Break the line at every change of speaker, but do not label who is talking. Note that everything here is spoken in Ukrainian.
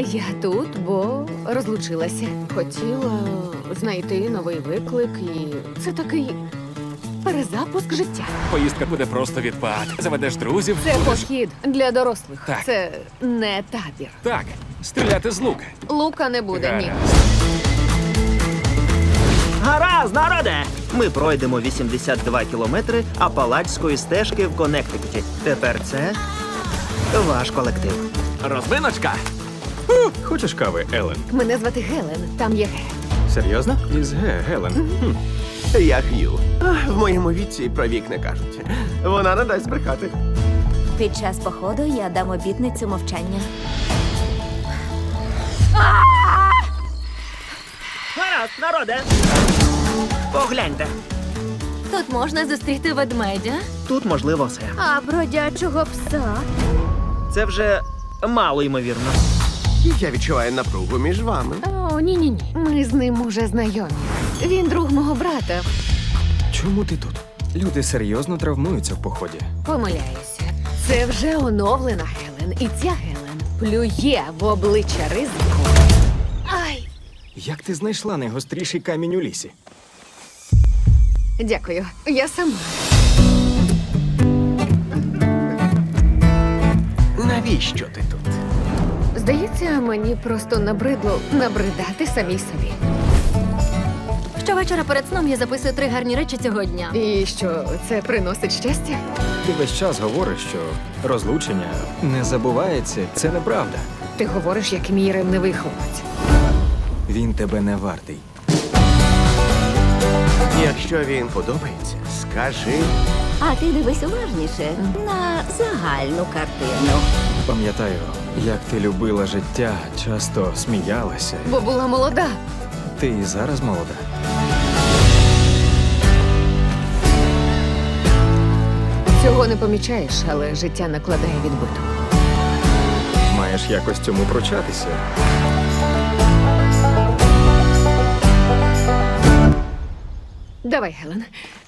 Я тут, бо розлучилася. Хотіла знайти новий виклик, і це такий перезапуск життя.
Поїздка буде просто відпад. Заведеш друзів.
Це
будеш-
похід для дорослих.
Так.
Це не табір.
Так, стріляти з лука.
Лука не буде, ні.
Гаразд.
Гаразд, народе! Ми пройдемо 82 кілометри Апалачської стежки в Коннектикуті. Тепер це ваш колектив.
Розминочка.
Хочеш кави, Елен?
Мене звати Гелен, там є Ге.
Серйозно? Із Г, Гелен.
Я Х'ю. В моєму віці і про вік не кажуть. Вона не дасть брехати.
Під час походу я дам обітницю мовчання.
Гаразд, народе! Погляньте.
Тут можна зустріти ведмедя,
Тут можливо все.
а бродячого пса.
Це вже мало ймовірно.
Я відчуваю напругу між вами.
О, ні-ні-ні. Ми з ним уже знайомі. Він друг мого брата.
Чому ти тут? Люди серйозно травмуються в поході.
Помиляюся. Це вже оновлена Гелен. І ця Гелен плює в обличчя ризику. Ай!
Як ти знайшла найгостріший камінь у лісі?
Дякую. Я сама.
Навіщо ти тут?
Здається, мені просто набридло набридати самій собі.
Щовечора перед сном я записую 3 гарні речі цього дня.
І що, це приносить щастя?
Ти весь час говориш, що розлучення не забувається. Це неправда.
Ти говориш, як мій ревнивий хлопець.
Він тебе не вартий.
Якщо він подобається, скажи.
А ти дивись уважніше на загальну картину.
Пам'ятаю, як ти любила життя, часто сміялася.
Бо була молода.
Ти і зараз молода.
Цього не помічаєш, але життя накладає відбиток.
Маєш якось цьому пручатися.
Давай, Гелен.